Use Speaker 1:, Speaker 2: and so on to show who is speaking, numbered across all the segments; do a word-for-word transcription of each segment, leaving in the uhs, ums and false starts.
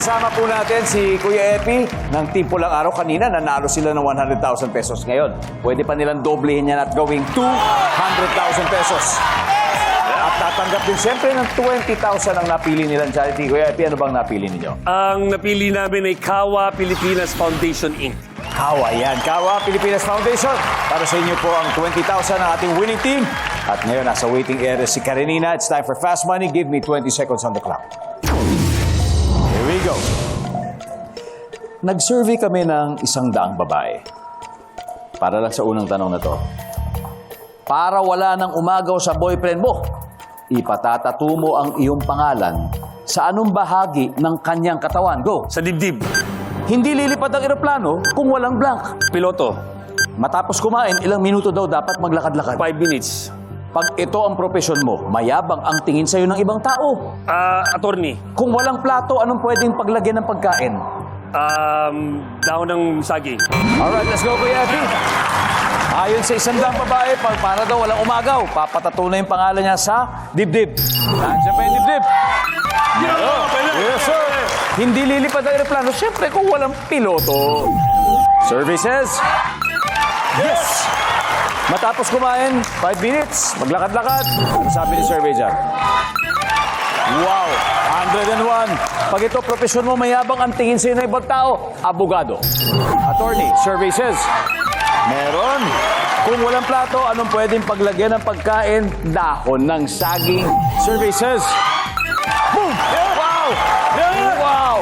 Speaker 1: Kasama po natin si Kuya Epi ng Team Pulang Araw. Kanina, nanalo sila ng one hundred thousand pesos. Ngayon, pwede pa nilang doblehin yan at gawing two hundred thousand pesos. At tatanggap din siyempre ng twenty thousand ang napili nilang charity. Kuya Epi, ano bang napili ninyo?
Speaker 2: Ang napili namin ay Kawa Pilipinas Foundation, Incorporated.
Speaker 1: Kawa yan. Kawa Pilipinas Foundation. Para sa inyo po ang twenty thousand ng ating winning team. At ngayon, nasa waiting area si Karenina. It's time for Fast Money. Give me twenty seconds on the clock. Here we go. Nag-survey kami ng isang daang babae. Para lang sa unang tanong na to. Para wala nang umagaw sa boyfriend mo, ipatatatu mo ang iyong pangalan sa anong bahagi ng kanyang katawan. Go!
Speaker 2: Sa dibdib.
Speaker 1: Hindi lilipad ang eroplano kung walang blank.
Speaker 2: Piloto.
Speaker 1: Matapos kumain, ilang minuto daw dapat maglakad-lakad.
Speaker 2: Five minutes.
Speaker 1: Pag ito ang profesyon mo, mayabang ang tingin sa'yo ng ibang tao.
Speaker 2: Ah, attorney.
Speaker 1: Kung walang plato, anong pwedeng paglagyan ng pagkain?
Speaker 2: Um, dahon ng saging.
Speaker 1: Alright, let's go, Kuya Epi. Ayon sa isang daang babae, pag para daw walang umagaw, papatato na yung pangalan niya sa dibdib. Nandiyan pa yung dibdib.
Speaker 2: Yeah,
Speaker 1: Yes, sir. Hindi lilipad ang aeroplano, siyempre kung walang piloto. Services. Yes! Matapos kumain, five minutes, maglakad-lakad. Ano sabi ni survey dyan? Wow! one hundred and one. Pag ito, profesyon mo, mayabang ang tingin sa'yo ng ibang tao, abogado. Attorney, survey says, meron. Kung walang plato, anong pwedeng paglagyan ng pagkain? Dahon ng saging. Survey says, boom! Wow! Wow!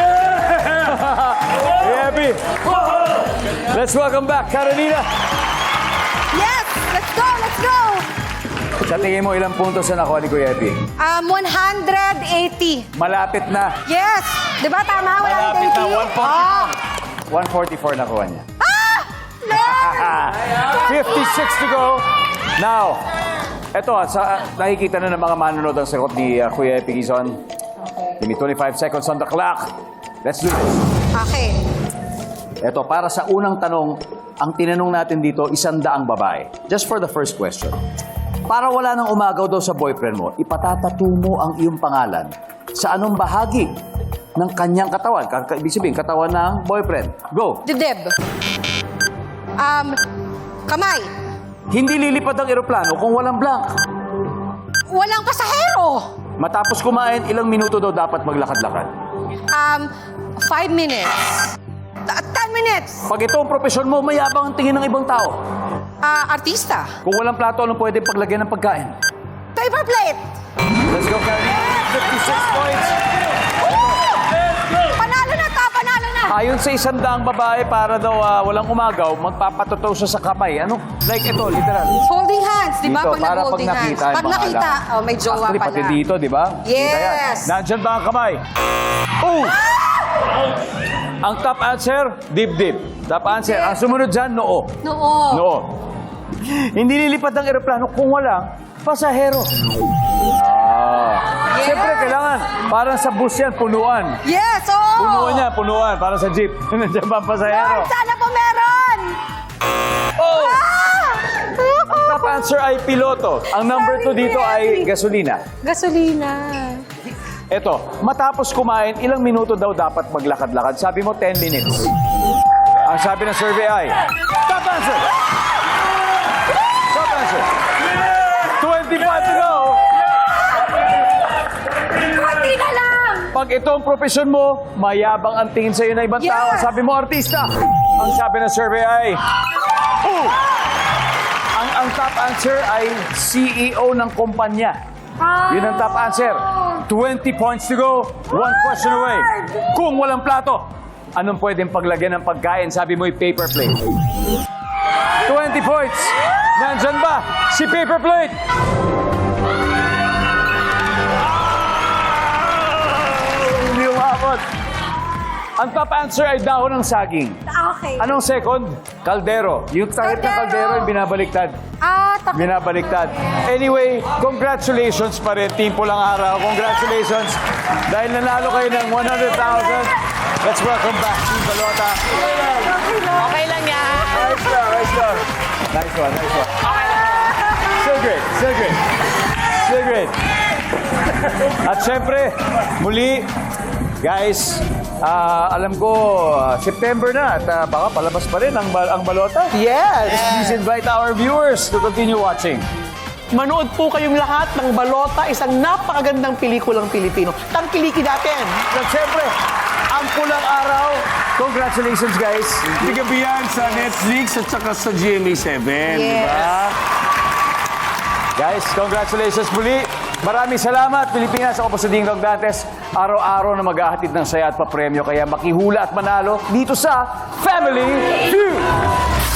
Speaker 1: Happy! Let's welcome back, Karenina.
Speaker 3: Yes! Let's go! Let's go!
Speaker 1: Sa tingin mo, ilang puntos na nakuha ni Kuya Epi?
Speaker 3: Um, one hundred eighty.
Speaker 1: Malapit na.
Speaker 3: Yes! Di ba tama?
Speaker 1: Malapit na.
Speaker 3: one
Speaker 1: one forty-four. one forty-four nakuha niya.
Speaker 3: Ah! Lord!
Speaker 1: fifty-six to go. Now, eto, sa, nakikita na ng mga manonood ang sagot ni uh, Kuya Epi Quezon. Give me twenty-five seconds on the clock. Let's do this.
Speaker 3: Okay.
Speaker 1: Eto, para sa unang tanong, ang tinanong natin dito, isang daang babae. Just for the first question. Para wala nang umagaw daw sa boyfriend mo, ipatatatu mo ang iyong pangalan sa anong bahagi ng kanyang katawan. Ka- Ibig sabihin, katawan ng boyfriend. Go!
Speaker 3: Dibdib. Um, kamay.
Speaker 1: Hindi lilipad ang eroplano kung walang blank.
Speaker 3: Walang pasahero.
Speaker 1: Matapos kumain, ilang minuto daw dapat maglakad-lakad.
Speaker 3: Um, five minutes. Ta- ten minutes.
Speaker 1: Pag ito ang profesyon mo, mayabang ang tingin ng ibang tao.
Speaker 3: Ah, artista.
Speaker 1: Kung walang plato, anong pwede paglagyan ng pagkain?
Speaker 3: Paper plate.
Speaker 1: Let's go, Karen. fifty-six points.
Speaker 3: Panalo na to, panalo na.
Speaker 1: Ayon sa isang daang babae, para daw ah, walang umagaw, magpapatuto siya sa kamay. Ano? Like ito, literal.
Speaker 3: Holding hands, di ba?
Speaker 1: Dito,
Speaker 3: Pag
Speaker 1: para pag
Speaker 3: nag-holding hands.
Speaker 1: nakita yung
Speaker 3: Pag nakita,
Speaker 1: pangalan.
Speaker 3: oh, may jowa
Speaker 1: Actually,
Speaker 3: pala.
Speaker 1: pati dito, di ba?
Speaker 3: Yes.
Speaker 1: Kita yan. Nandyan ba ang kamay? Oh! Ang top answer, dibdib. Top answer. Ang sumunod dyan, noo.
Speaker 3: Noo.
Speaker 1: Noo. Hindi lilipad ang eroplano kung walang pasahero. Ah.
Speaker 3: Yes.
Speaker 1: Siyempre, kailangan. Parang sa bus yan, punuan.
Speaker 3: Yes, oo.
Speaker 1: Punuan yan, punuan. Para sa jeep. Nandiyan ba ang pasahero?
Speaker 3: Lord, sana po meron.
Speaker 1: Oh!
Speaker 3: Ah!
Speaker 1: Ang top answer ay piloto. Ang number two dito ay gasolina.
Speaker 3: Gasolina.
Speaker 1: Eto, matapos kumain, ilang minuto daw dapat maglakad-lakad? Sabi mo, ten minutes. Ang sabi ng survey ay, top answer! Top answer! twenty-five to go!
Speaker 3: Kunti na lang.
Speaker 1: Pag ito ang profesyon mo, mayabang ang tingin sa'yo na ibang tao.
Speaker 3: Yes.
Speaker 1: Sabi mo, artista. Ang sabi ng survey ay, oh! Ang, ang top answer ay C E O ng kumpanya. Yun ang top answer. twenty points to go. One question away. Kung walang plato, anong pwedeng paglagyan ng pagkain? Sabi mo, paper plate. twenty points. Nandyan ba si paper plate? Hindi umabot. Ang top answer ay dahon ng saging.
Speaker 3: Okay.
Speaker 1: Anong second? Kaldero. Yung takip ng
Speaker 3: Kaldero.
Speaker 1: kaldero yung binabaliktad.
Speaker 3: Ah, tak-
Speaker 1: Binabaliktad. Anyway, congratulations pa rin, Team Pulang Araw. Congratulations. Dahil nanalo kayo ng one hundred thousand. Let's welcome back Team Balota.
Speaker 3: Okay lang yan.
Speaker 1: Nice one, nice one. Nice one, nice one. So great, so great. So great. At syempre, muli, Guys, ah, alam ko, ah, September na at ah, baka palabas pa rin ang, bal- ang balota.
Speaker 4: Yes!
Speaker 1: Please invite our viewers to continue watching.
Speaker 4: Manood po kayong lahat ng Balota, isang napakagandang pelikulang Pilipino. Tangkilikin natin!
Speaker 1: At syempre, ang pulang araw. Congratulations, guys.
Speaker 2: Gabi yan sa Netflix at saka sa G M A seven. Di ba?
Speaker 1: Guys, congratulations muli. Maraming salamat, Pilipinas. Ako po sa Ding Dong Dantes. Araw-araw na mag-ahatid ng saya at papremyo. Kaya makihula at manalo dito sa Family Feud.